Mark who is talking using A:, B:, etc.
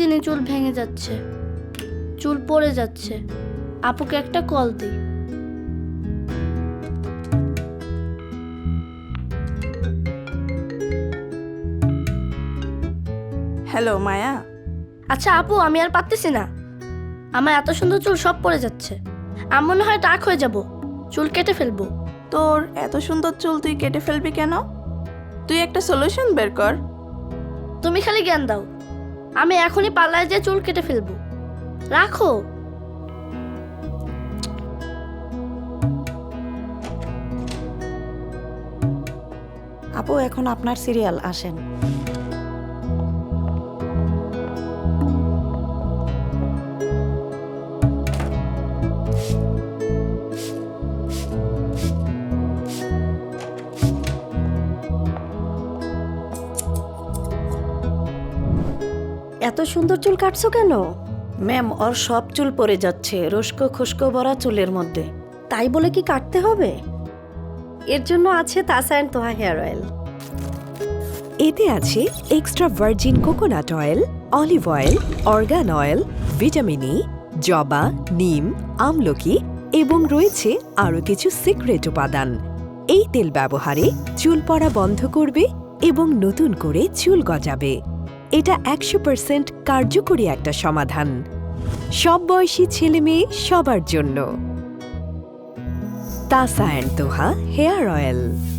A: প্রতিদিনই চুল ভেঙে যাচ্ছে, চুল পড়ে যাচ্ছে। আপুকে একটা কল দিই।
B: হ্যালো মায়া।
A: আচ্ছা আপু, আমি আর পারতেছি না। আমার এত সুন্দর চুল সব পড়ে যাচ্ছে। আমি মনে হয় টাক হয়ে যাব, চুল কেটে ফেলবো।
B: তোর এত সুন্দর চুল তুই কেটে ফেলবি কেন? তুই একটা সলিউশন বের কর।
A: তুমি খালি জ্ঞান দাও, আমি এখনই পার্লারে যেয়ে চুল কেটে ফেলবো। রাখো।
C: আপু এখন আপনার সিরিয়াল, আসেন। এত সুন্দর চুল কাটছো কেন? ম্যাম, ওর সব চুল পড়ে যাচ্ছে রস্কো খুস্কো ভরা চুলের মধ্যে। তাই বলে কি কাটতে হবে? এর জন্য আছে Tasa and Toha hair oil.
D: এতে আছে extra virgin coconut oil, olive oil, argan oil, vitamin E, জবা, নিম, আমলকি এবং রয়েছে আরও কিছু সিক্রেট উপাদান। এই তেল ব্যবহারে চুল পড়া বন্ধ করবে এবং নতুন করে চুল গজাবে। এটা 100% কার্যকরী একটা সমাধান, সব বয়সী ছেলে মেয়ে সবার জন্য। Tasa and Toha hair oil.